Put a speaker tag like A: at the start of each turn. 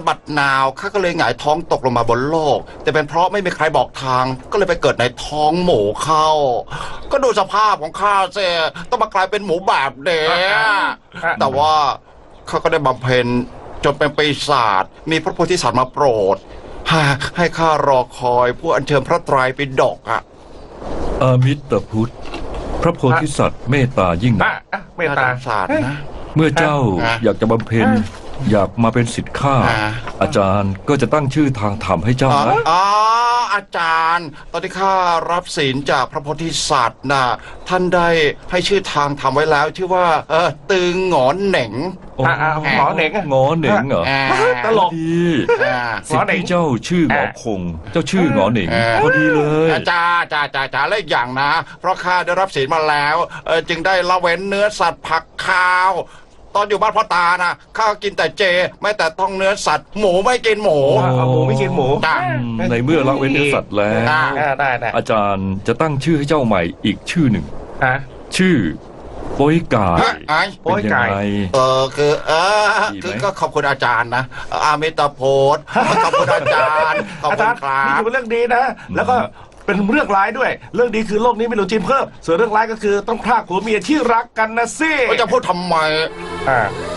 A: บัดนาวข้าก็เลยหงายท้องตกลงมาบนโลก แต่เป็นเพราะไม่มีใครบอกทางก็เลยไปเกิดในท้องหมูเข้า ก็ดูสภาพของข้าเสียต้องมากลายเป็นหมูแบบเด็แต่ว่าข้าก็ได้บำเพ็ญจนเป็นปีศาจมีพระโพธิสัตว์มาโปรดให้ข้ารอคอยผู้อัญเชิญพระไตรปิฎกอ่ะ
B: อามิตรพุทธพระโพธิสัตว์เมตตายิ่งนัก
C: เมตตา
A: น่สงสารนะ
B: เมื่อเจ้า
A: อ่ะ
B: อยากจะบำเพ็ญอยากมาเป็นศิษย์ข้า
A: อ่ะ
B: อาจารย์ก็จะตั้งชื่อทางธรรมให้เจ้านะ
A: อ๋ออาจารย์ ตอนที่ข้ารับศีลจากพระโพธิสัตว์นะท่านได้ให้ชื่อทางทำไว้แล้วชื่อว่าตึงหงอนเหน่ง
B: โอ้
C: หมอเหน่ง
B: งอเหน่งเหรอ
C: ตลก
B: ดี
A: อ่า
B: สิทธิ์ที่เจ้าชื่อหงอคง เจ้าชื่อหงอเหน่ง
A: อ่ะ
B: พอดีเลย
A: จ้าและอีกอย่างนะ เพราะข้าได้รับศีลมาแล้วจึงได้ละเว้นเนื้อสัตว์ผักข้าว ตอนอยู่บ้านพ่อตานะข้ากินแต่เจ ไม่แต่ต้องเนื้อสัตว์หมูไม่กินหมู
C: เอาหมูไม่กินหมู
A: จ้า
B: ในเมื่อละเว้นเนื้อสัตว์แล้ว
A: ได้
C: ได้
B: อาจารย์จะตั้งชื่อให้เจ้าใหม่อีกชื่อหนึ่ง
C: ฮะ
B: ชื่อโป้ยกาย
A: ไอ้
C: โป้ย
B: เป็น
C: กา
B: ยัง
C: ย
B: ไง
A: คือ
B: ดีไหม
A: คือก็ขอบคุณอาจารย์นะอามิตาโพธขอบคุณอาจารย์ขอบ
C: อา
A: คุ
C: จาร
A: ณ
C: ย์
A: ครั
C: นี่
A: บ
C: ถือเป็นเรื่องดีนะ แล้วก็เป็นเรื่องร้ายด้วย เรื่องดีคือโลกนี้ไม่หลุดจีนเพิ่ม ส่วนเรื่องร้ายก็คือต้องพรากผัวเมียที่รักกันนะสิ
A: ก็จะพูดทำไม
C: อ่า